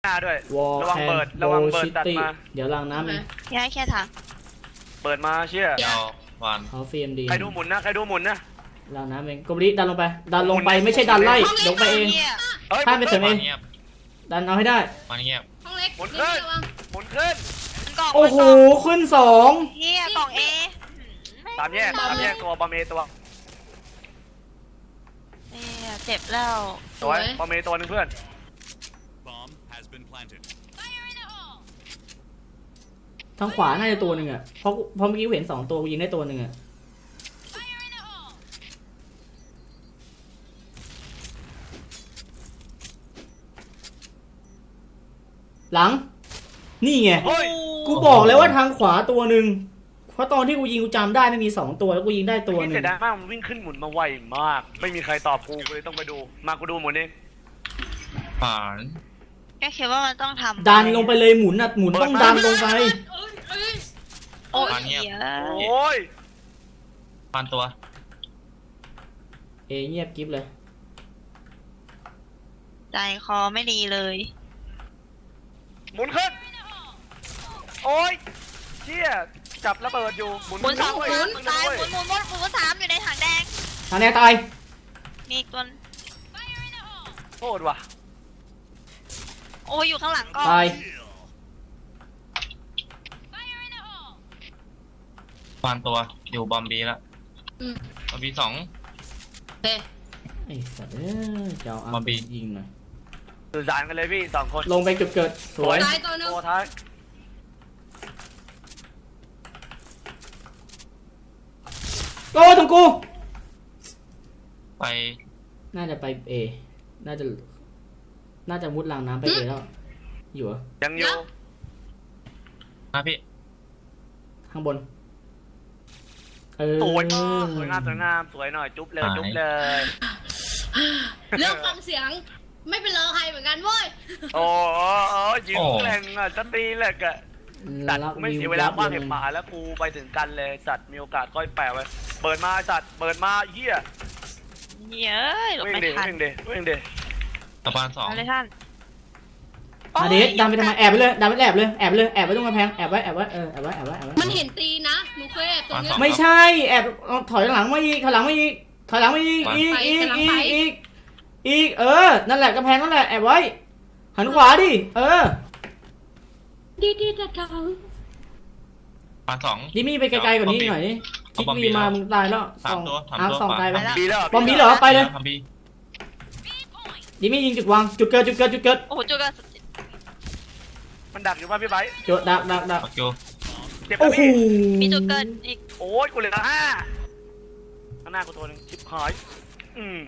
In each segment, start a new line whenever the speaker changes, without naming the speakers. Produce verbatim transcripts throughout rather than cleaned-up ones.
หน้าด้วย
วอล
ระวัง
แคน
เปิด
โบ
ระวังเปิด
ชิ
ตัด
ตี้
มา
เดี๋ยวล้างน้ำเอง
ย้ายแค่ถัง
เปิดมาเชี่ย
ยาววัน
เขาฟรีเอ็มดี
ใครดูหมุนนะใครดูหมุนนะ
ล้างน้ำเองกบลิดันลงไปดันลงไปไม่ใช่ดันไล่ลงไปเอง
เอ้ย
ข้ามไปเสริม
ห
เอ
มุ
ง
น
เงียบ
ดันเอาให้ได้
วันเงียบ
ห้องเล็ก
หมุน
เดี๋
ขึ้
ยวน ระวัง
หมุนขึ้น
กล่อง
โอ้โหขึ้นสอง
เฮียกล่องเอ
ตามแยกตามแยกตัวบอมเมตัว
เฮียเจ็บแล้ว
สวยบอมเมตัวหนึงเพื่อน
Bomb has been planted.
ทางขวาน่าจะตัวหนึ่งอ่ะเพราะเพราะเมื่อกี้เห็นสองตัวกูยิงได้ตัวหนึ่งอ่ะหลังนี่ไง
เฮ้ย
กูบอกเลยว่าทางขวาตัวหนึ่งเพราะตอนที่กูยิงกูจำได้ไม่มีสองตัวแล้วกูยิงได้ตัวห
นี่
นึ่
เสี
ง
ยดายมากมันวิ่งขึ้นหมุนมาไวมาก ไม่มีใครตอบกูกูเลยต้องไปดูมากูดูหมุนเอง
ผ่าน
ก็คิดว่ามันต้องทำ
ดันลงไปเลยหมุนอ่ะหมุนต้องดันลงไป
เอ้ยเอ้ย
โอ้ยเฮีย
โอ้ย
ผ่านตัว
เอเงียบกิ๊บเลย
ใจคอไม่ดีเลย
หมุนขึ้นโอ้ยเชี่ยจับระเบิดอยู่หมุน
หมุนสองห
ด้วย
มุนตายหมุนหมุนหมุนหมุนสามอยู่ในถังแดง
ทางแนวตาย
มีอีกตัว
โทษว่ะ
โอ้ยอยู่ข้างหลังก็
ตาย
ผ่านตัวอยู่บอมบีแล้ว
อืม
บอมบีสอง
โอเค
ไอ้สัตว์เอ้ยเจ้าเอา
มาบี
ยิงหน่อย
สื่อสารกันเลยพี่สองคน
ลงไปจุดเกิดสวย
ตายตัวหนึง
ตัวท้าย
โอ้ตรงกู
ไป
น่าจะไปเอน่าจะน่าจะมุดรางน้ำไปเอแล้วอยู่เหรอ
ยังอยู่
นะพี่
ข้างบนเออ
สวยมากสวยงามสวยงามสวยหน่อยจุ๊บเลยจุ๊บเลย
เริ่มฟังเสียง ไม่เป็นเลอใครเหมือนกันเว้ย
โอ้โหยิงแรงอ่ะจะตีแหลกอ่ะสัตว์กูไม่เสียเวลาบ้างเห็บหมาแล้วกูไปถึงกันเลยสัตว์มีโอกาสก้อยแปะไว้เปิดมาสัตว์เปิดมาเฮีย
เฮียเอ้ยหลบ
วิ่ง
ไม่
เด
ทัน
วิ่งเดวิ่งเด
ตะบานสอง
เอาเลยท่าน
มาเดชดันไปทำไมแอบไปเลยดันไปแอบเลยแอบไปเลยแอบไว้ตรงกำแพงแอบไว้แอบไว้เออแอบไว้แอบไว้แอบไว้
มันเห็นตีนะหนูเคยแอบตรงเนี้ย
ไม่ใช่แอบเอาถอยหลังมาอีกถอยหลังมาอีกถอยหลังมาอีกอีก
ไป
อีก
กำลัง
อี
ไป
กอีกอีกเออนั่นแหละกำแพงนั่นแหละแอบไว้หันขวาดิเออ
ดีดีดัดดาว
ผ่านสอง
ดิมี่ไปไกลๆกว่านี้หน่อยดิคิดวีมามึงตายแล้วส
สา
อ
ม
ง
ตัวสาม
อาร์
ตัว
สองตายไป
บีแล้ว
บอมบี้เหรอไปเลย
บอมบี
ดิมี่ยิงจุดวางจุดเกิดจุดเกิดจุดเกิด
โอ้โหจุกอะ
มันดักอยู่ป่ะพี่ไบ
จุดดักดักดัก
ปักอยู่
เจ็บ
โอ้
นะ
โห
พี่
มีจุกเกินอีก
โอ้ยกูเหลือห้าข้างหน้ากูตัวหนึงชิบหายอืม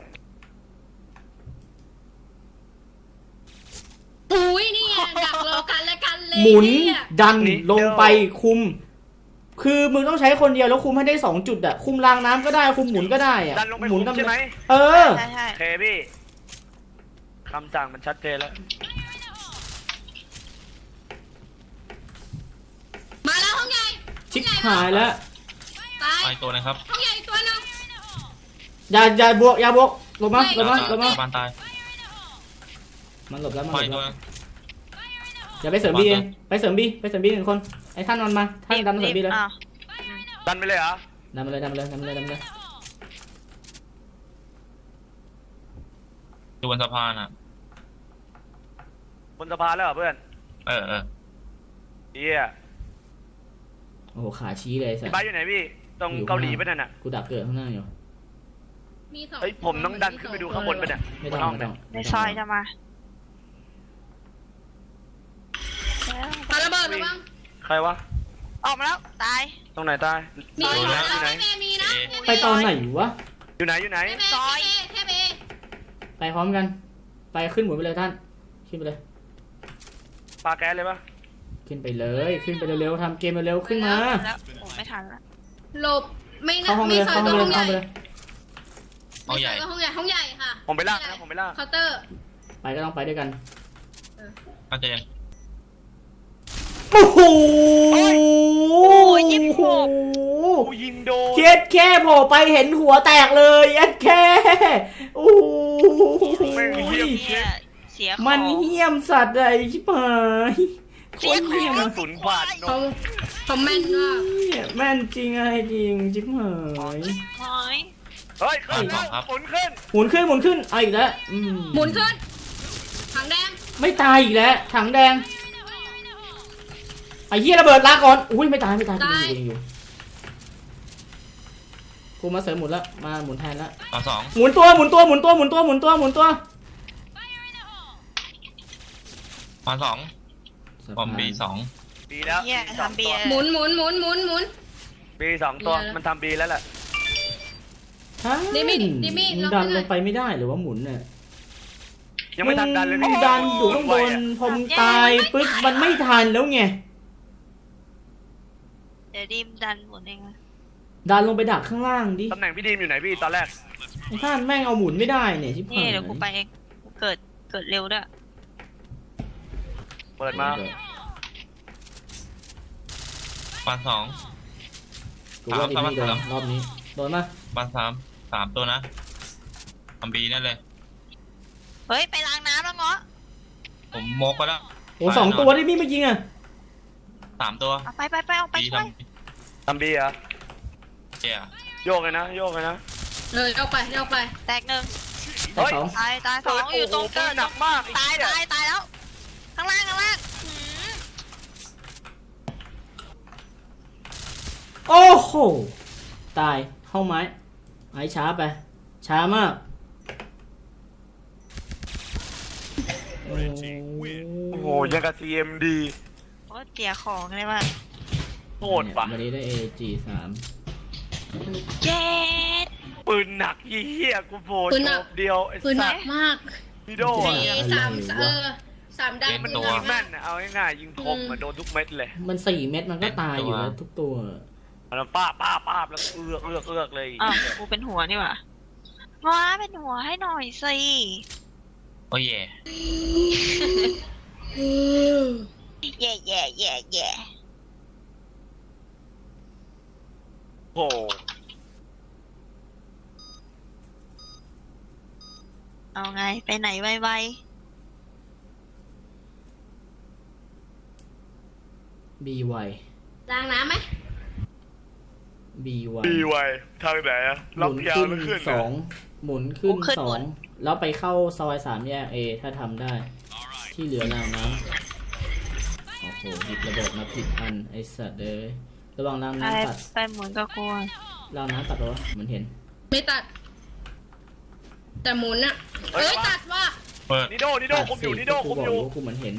อุ้ยนี่ไงดักรอกันและกันเลย
หมุน
เนี่ย
ดันลงไปคุม คือมึงต้องใช้คนเดียวแล้วคุมให้ได้สองจุดอะคุมรางน้ำก็ได้คุมหมุนก็ได้อะ
ดันลงไป
หมุน
ใช่ไหม
เออ
ใช่ใช่
โอเคพี่คำสั่งมันชัดเจนแล้ว
มาแล้วห้องใหญ่
ชิบหายแล้ว
ตาย
ไปตัวนะครับ
ห้องใหญ่ตัวหนึง
อย่าอย่าบวกอย่าบวกลงมาลงมาลงมา
ตะบานตาย
มันหลบแล้วมัน
ไป
หลบ
ตัว
แล้วอย่าไปเสริมบีเองไปเสริมบีไปเสริมบีหนึ่งคนไอ้ท่านนอนมาท่านดันมาเสริมบีเลย
อ้าว
ดันไปเลยเหรอ
ดันมาเลยดันมาเลยดันมาเลยดันมาเลย
อยู่บนสะพานอ่ะ
บนสะพานแล้วเหรอเพื่อน
เออเออ
เฮีย
โอ้โหขาชี้เลยสั
พี่
ส
ไบอยู่ไหนพี่ตรงเกาหลีปะนั่นน่ะ
กูดักเกิดข้างหน้าอยู่
มีสอง
เฮ้ยผมต้องดันขึ้นไปดูข้างบนปะเนี่ย
ไม่ต้องไม่ต้อง
ในซอยจะมา
ปาระเบิดระวัง
ใครวะ
ออกมาแล้วตาย
ตรงไหนตาย
มี
อยู่
อยู่
ไหน
นะ
อยู่ไหน
เมมีนะ
ไปตอนไหนวะ
อยู่ไหนอยู่ไหน
เทเบ
ซอย
เทเบ
ไปพร้อมกัน ไปขึ้นหมุนไปเลยท่านขึ้นไปเลย
ปลาแก๊สเลยปะ
ขึ้นไปเลยขึ้นไปเร็วๆทำเกมเร็วๆขึ้นมา
แล้วโอ้ไม่ทันละ
หลบไม่นะ
เข้าห้องไป
มี
เลย
ซอ
เข้าย ห้อง
ตัว
ไปเลย
ห้องให
เข้า
ญ่
ไปเลย
ห้องใหญ่
ห้องใหญ่ห้องใหญ่ค่ะ
ผมไปลากนะผมไปลาก
เคาน์เตอร์
ไปก็ต้องไปด้วยกัน
น่าจะยัง
โอ้โห
โอ้ยยี่สิบหก
กูยิงโดน
เจ็ดแค่โผล่ไปเห็นหัวแตกเลยเจ็ดแค่โอ้โห
แม่งเฮีย
เฮียเชสียของ
มันเหี้ยมสัตว์อะไรชิบหายโค
เสีย
ตร
ขอ
เหี้ย
ง
ม
ศูนย์บาทน
เขา
ม
เขาแม่นมาก
เหี้ยแม่นจริงอะไรจริงชิบหาย
หอย
เฮ้ยขึ้นแล้วหมุนขึ้น
หมุนขึ้นหมุนขึ้นเอาอีกแล้วอืม
หมุนขึ้นถังแดง
ไม่ตายอีกแล้วถังแดงไอ้เหี้ยระเบิดลาก่อนอุ้ยไม่ตายไม่ตายกูยังอยู่กูยังอยู่กูมาเสริมหมุนแล้วมาหมุนแทนแล้ว
มาสอง
หมุนตัวหมุนตัวหมุนตัวหมุนตัวหมุนตัวหมุนตัว
มาสองบอมบีสอง
บีแล้ว
เหี้ย
สอง
ทำเบี
ตั
ยว ร์
หมุนหมุนหมุนหมุนหมุน
บีสองตัว
เดี๋ยว
มันทำบีแล้วแหละ
ฮะ
ดิมี่ดิมี่
มึง
ล็อก
ดัน
ไว้หน่
ล
อย
งไปไม่ได้หรือว่าหมุนเนี่ย
ยังไม่ทันดันเลย
มึ
พี่
งดันอยู่ข้างบนพอมึงตายปึ๊บมันไม่ทันแล้วไง
เดี๋ยวดิมดันหมุนเองนะ
ดันลงไปดักข้างล่างดิ
ตำแหน่งพี่ดีมอยู่ไหนพี่ตอนแรก
ไอ้ท่านแม่งเอาหมุนไม่ได้เนี่ยชิบ
นี่
หาย
เดี๋ยวกูไปเองกูเกิดเกิดเร็วด้วย
เปิดมา
มาสอง
กูว่าดิมี่โดน
สาม
รอบนี้โดนมา
มาสามสามตัวนะบอมบีนั่นเลย
เฮ้ยไปล้างน้ำแล้วเงาะ
ผมโมกไปแล้ว
โอ้สองตัวดิมี่ไม่ยิงอ่ะ
สามตัว
เอาไปไปไปเอาไป
บี
ช่วย
ทำ
ทำบีเหรอ
เจีย
โยกเลยนะโยกเลยนะ
เลยเอาไปเอาไป
แตกหนึ่ง
แต่
เฮ้ย
สอง
ตายตายสองอยู่ตรง
โโห
เกิด
หนักมาก
ตาย
ไอ้
ตาย
เหี้
ตายแล้ว ข้างล่างข้างล่างหืม
โอ้โหตายเข้าไม้ไอ้ช้าไป ช้ามากโอ้
โอ้โหยังกับ ซี เอ็ม ดี
โอ้เสียของเลยว่ะ
โหดปะ
วันนี้ได้ เอ จี สาม
เจ็ด
ปืนหนักเหี้ยกูโผล่
ปืนหนั
โจ
ก
บเดียวไอ้
ปืนหนั
สั
ก
ตว์
มาก
พี่โด
สี่
อะ
สามเออสามดาว
มัน
ปืน
ยิ
หนั
ง
ก
แม่
มาก
นอะเอาง่ายๆยิงคมอะโดนทุกเม็ดเลย
มันสี่เม็ดมันก็ตายอยู่แล้วทุกตัว
มันป้าบป้าบป้าบแล้วเอือกเอือกเอือกเลย
อ้าวกูเป็นหัวนี่หว่าว้าเป็นหัวให้หน่อยสิ
โอ้ยแย่
แย่แย่แย่แย่
โอ้โห
เอาไงไปไหนไว
บีไว
ล้างน้ำไหม
บีไว
ดีไวทางไหนอะ
ห
ล็อ
มุ
ก
น
ยาว
ขึ้น
แล้วขึ้น
ส
อะ
องหมุนขึ้นสองแล้วไปเข้าซอยสามแยกเอถ้าทำได้ ที่เหลือรางน้ำโอ้โหหยิบระเบิดมาผิดอันไอสัตว์เลยระวังราง
ๆไป
น้ำตัด
ไปหมุนก็กลัว
รางน้ำตัดเหรอวะเหมือนเห็น
ไม่ตัด แต่หมุนอะเอ้ยตัดว่ะ
เปิด
นิโดนิโดคุมอยู่นิโด
กู
คุม
บอก
อยู่
ว่ากูเหมือนเห็น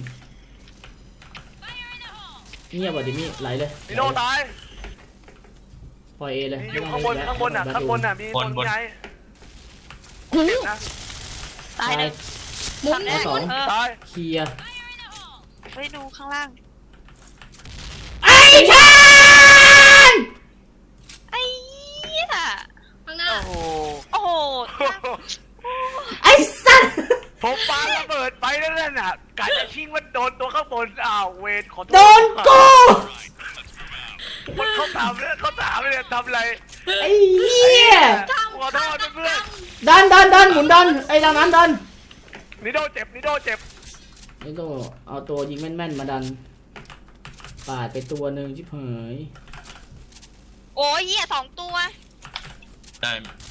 เงียบว่ะดิมี่ไหลเลย
นิโดตาย
ปล่อยเอเลย
มีอยู่
ไม่
ข้างบน
ต้
ข้างบนอะ
ไม่
ข้างบนอะมีคนย้ายเจ็บนะ
ตายเลย
หมุนห
ทำ
มุน
ได้
หมุน
เออ
ตาย
เคลียร์
ไปดูข้างล่าง
ไอ้ชาน
ไอ้เหี้ย
ข้างหน้า
โอ้โห
โอ้โห
ไอ้สัตว์
ผมปาระเบิดไปแล้วนั่นน่ะกะจะชิงว่าโดนตัวข้างบนอ้าวเวทขอโทษ
โดนกู
มันเขาถามเลยเขาถามเลยทำอะไร
ไอ้เหี้ย
ขอโทษเพื่อน
ดันดันดันหมุนดันไอ้ดังนั้นดัน
นิโดเจ็บนิโดเจ็บ
ไอ้โตเอาตัวยิงแม่นๆมาดันปาดไปตัวหนึ่งชิบหาย
โอ้ยเหี้ยสองตัว
ได้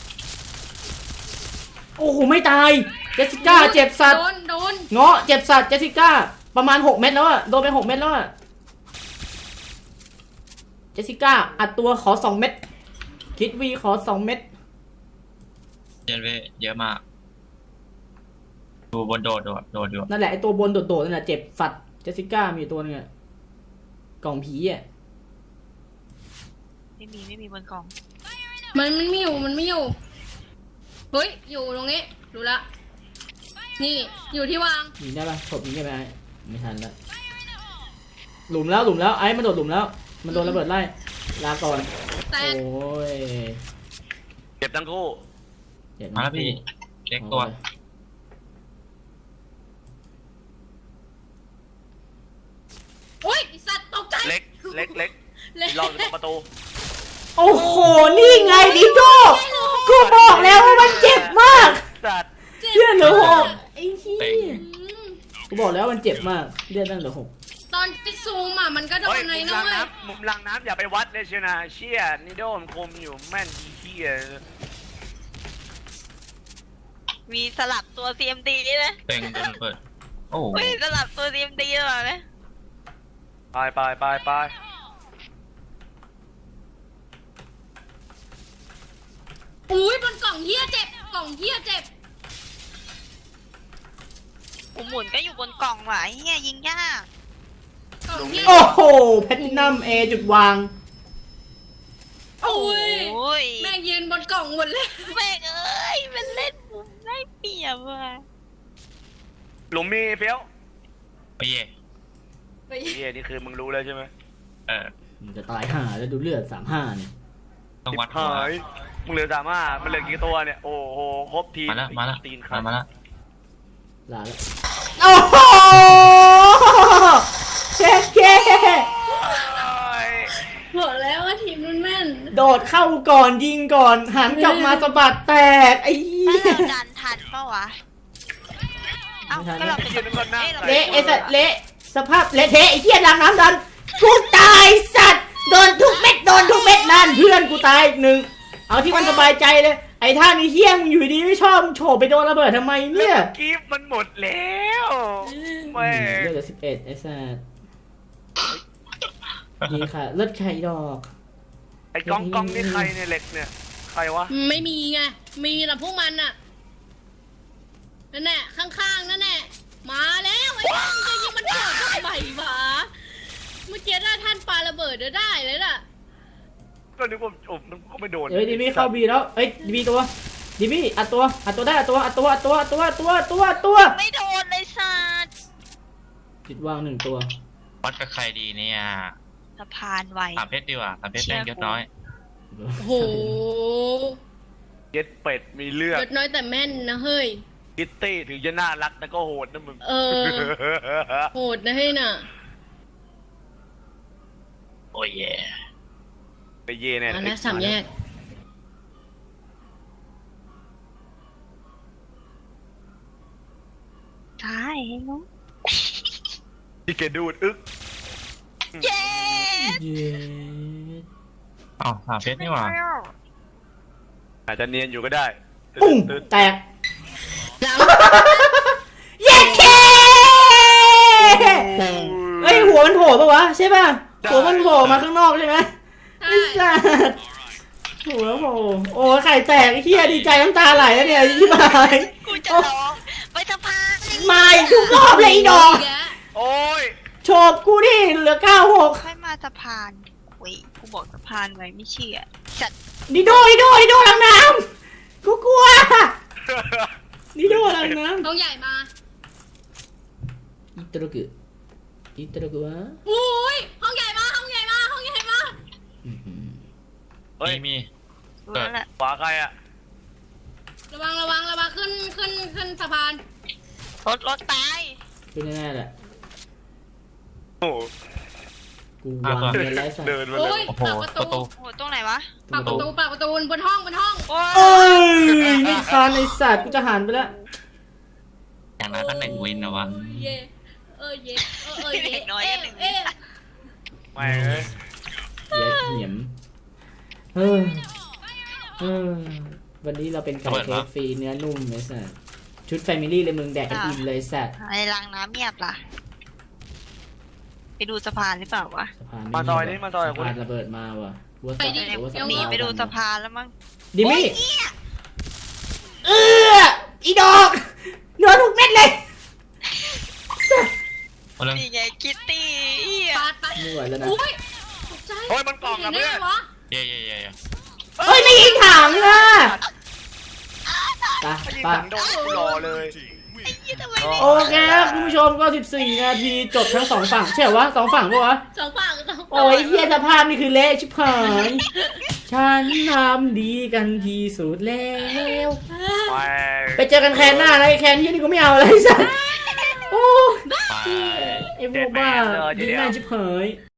โอ้โหไม่ตายเจสสิก้าเจ็บสัตว์
โดนโดน
เงาะเจ็บสัตว์เจสสิก้าประมาณหกเม็ดแล้วอะโดนไปหกเม็ดแล้วอะเจสสิก้าอัดตัวขอสองเม็ดคิดวีขอสองเม็ด
เจนเวเยอะมากดูบนโดดโดดโดดอยู่
นั่นแหละไอตัวบนโดดๆนั่นแหละเจ็บสัตว์เจสสิก้ามีอยู่ตัวนึงอะกล่องผีอะ
ไม่มีไม่มีบนกล่อง
มันมันไม่อยู่มันไม่อยู่เฮ้ยอยู่ตรงนี้ดูละนี่อยู่ที่วาง
ยิงได้ปะถบยิงได้ไหมไม่ทันแล้วหลุมแล้วหลุมแล้วไอ้มันโดดหลุมแล้วมันโดนระเบิดไล่ลาก่อน
แต่
โอ้ย
เจ็บทั้งคู่
เจ็บ
มาแล้วพี่เล็กตัว
โอ้ยไอ้สัตว์ตกใจ
เล็กเล็กเล็ก
เล็ก
รออยู่ตรงประตู
โอ้โหนี่ไงดิโก้กูบอกแล้วว่ามันเจ็บมาก
สัตว์
เชื่อหรือหกไอ้เหี้ย
อืม
กูบอกแล้วมันเจ็บมากเลือดตั้งเหลือหก
ตอนไปซูมอ่ะมันก็โด
เฮ้ย
นใน
มุม
น้
ลั
อง ย
น้ำมุมลังน้ำอย่าไปวัดเลยเชียวนะเชี่ยนิโดมคมอยู่แม่นอีเหี้ย
มีสลับตัว ซี เอ็ม ดี นะ
เต็งโดนเปิด โอ้
อุ้ยสลับตัว ซี เอ็ม ดี หรือเปล่าเนี่ย
ไปไปไปไป
อุ้ยบนกล่องเฮียเจ็บกล่องเฮียเจ็บ
ผมหมุนก็อยู่บนกล่องว่ะเฮียยิงยาก
กล่องเฮีย
โอ้โหแพทตินัมเอจุดวาง
โอ้ย
โอ้ย
แม่งยืนบนกล่องหมดเลย
แม่งเอ้ยมันเล่นมุมได้เปรียบว่ะ
หลุมมีเฟี้ยว
โอ้ย
เหี้ยนี่คือมึงรู้แล้วใช่ไหม
เออ
มันจะตายห่าแล้วดูเลือดสามห้าเนี่ย
ต้องวัดหัว
หายมึงเหลือสามห้ามันเหลือกี่ตัวเนี่ยโอ้โหครบทีม
มาแล้วมาแล้ว
ตีนค
มา
รับ
มาแล้ว
ลาแล้วโอ้โหเช็คเก้
บอกแล้วว่าทีมมันแม่น
โดดเข้าก่อนยิงก่อนหันกลับมาสะบัดแตกไอ้เหี้
ถ้าย เราดันทันเปล่าวะเอ้าก็เราเป็น
ยืนบนหน้า
อ้ยรา
เละไอ้สัตว์เละสภาพเละเทะไอ้เหี้ยดังน้ำดันกูตายสัตว์โดนทุกเม็ดโดนทุกเม็ดนั่นเพื่อนกูตายอีกหนึ่งเอาที่มันสบายใจเลยไอ้ท่านี้เหี้ยมงอยู่ดีไม่ชอบมึงโฉบไปโดนระเบิดทำไมเนี่ย
กีฟมันหมดแล้วแม่
เลือดเหลือสิบเอ็ดไอ้สัตว์นี่ค่ะเลือดไข่ดอก
ไอ้กองกองนี่ใครเนี่ยเหล็กเนี่ยใครวะ
ไม่มีไงมีแต่พวกมันอ่ะนั่นแหละข้างๆนั่นแหละมาแล้วไอ้ท่านจะยิงมันเกิดทำไมวะเมื่อกี้ถ้าท่านปาระเบิดจะได้เลยล่ะ
ก็นึกว่าโอ้มันก็ไม่โดน
เอ้ยดิมี่เข้าบีแล้วเอ้ยดิมี่ตัวดิมี่อัดตัวอัดตัวได้อัดตัวอัดตัวอัดตัวอัดตัวอัดตัวอัดตัวอัดตัว
ไม่โดนเลยสัตว์
จิตวางหนึ่งตัว
วัดกับใครดีเนี่ย
สะพานไว
สามเพชรดีกว่าสามเพชรแม่งยศน้อย
โอ้โห
เย็ดเป็ดมีเลือด
ยศน้อยแต่แม่นนะเฮ้ย
คิตตี้ถึงจะน่ารักแต่ก็โหดนะมึง
เออ โหดนะเฮ้ยน่ะ
โอ้ยแย่
ไปเย่เนี่ย
อันนั้นสามแยก
ใช่เนาะ
ที่แกดูดอึ๊ก
เย้
เย้
อ้าวสามเพชรนี่หว่า
อาจจะเนียนอยู่ก็ได้
ปุ้ง
ตึ๊ด
แตก
หลัง
เย้เคเอ้ยหัวมันโผล่ปะวะใช่ป่ะหัวมันโผล่มาข้างนอกใช่ไหมไอ้สัสหัวโผล่โอ้ไข่แตกไอ้เหี้ยดีใจน้ำตาไหลแล้วเนี่ยที่มา
กูจะร้องไปสะพาน
มาอีกทุกรอบเลยไอ้ดอก
แยะ
โอ้ย
โฉบกูดิเหลือเก้าหก
ค่อยมาสะพานโอ้ยกูบอกสะพานไว้ไม่เชื่อจัด
ดิโดดิโดดิโดลังน้ำกูกลัวดิโดลังน้ำ
ต้องใหญ่มา
อิตาลุกุอิตาลุกุวะ
อุ้ยห้องใหญ่มาห้องใหญ่มาห้องใหญ่มา
เฮ้ย
มีมี
รู้แล้วแหละ
ขวาใครอ่ะ
ระวังระวังระวังขึ้นขึ้นขึ้นสะพาน
รถรถตาย
คือแน่ๆแหละ
โอ้โห
กูวางเงินไร้สัตว์
เดินมาเล
โอ้ย
ย
โอ้โห
ปากประ
ประตู
ตู
โอ้โหตรงไหนวะ
ปากประตูปากประตูบนห้องบนห้อง
โอ้
เอ้
ย
ยไม่ทันไอสัตว์กูจะหันไปแล้ว
อย่างนั้นก็หนึ่งวินนะวะ
เย่เออเย่เออเออเย่เอ๊ะเอ๊ะ
ไม่เอ้ย
เย็ดเหนียมเออเออวันนี้เราเป็นไก่เคฟฟรีเนื้อนุ่มไอสัตว์ชุดแฟมิลี่เลยมึงแดกกันอิ่มเลยสัตว์
ไอ้รางน้ำเงียบล่ะ ไปดูสะพานหรือเปล่าวะ
สะพาน
มาซอยนี้มาซอย
สะ
คุณ
พานระเบิดมาว่ะกูว่าสะ
ไปดิ
กูว่าสะ
หนี
พาน
ไปดูสะพานแล้วมั้ง
ดิมี่เอออีดอกโดนทุกเม็ดเลย
เอาเรื่อง
นี่ไงคิตตี้เหี้ย
ปาดปาด
ไม่ไหวแล้วนะ
อุ้ยตกใจ
โอ้ยมันกล่องนะเพื่อน
ห็ได้ไงวะ
เย่เย่เย่เย่
เฮ้ยไม่ยิงถังอ่ะไป
ถ้ายิง
ไป
ถังโดนกูรอเลย
ไอ้ยี่ทำไม
โอเคครับคุณผู้ชมก็สิบสี่นาทีจบทั้งสองฝั่งใช่เหรอวะสองฝั่งปะวะ
สองฝั่งสองฝั่ง
โอ้ยเฮียสภาพนี่คือเละชิบหายฉันทำดีกันที่สุดแล้ว
แม่ง
ไปเจอกันแคนหน้านะไอ้แคนที่นี่กูไม่เอาอะไรสักโอ้
ไป
ไอ้พวกบ้ายิงแม่งชิบหาย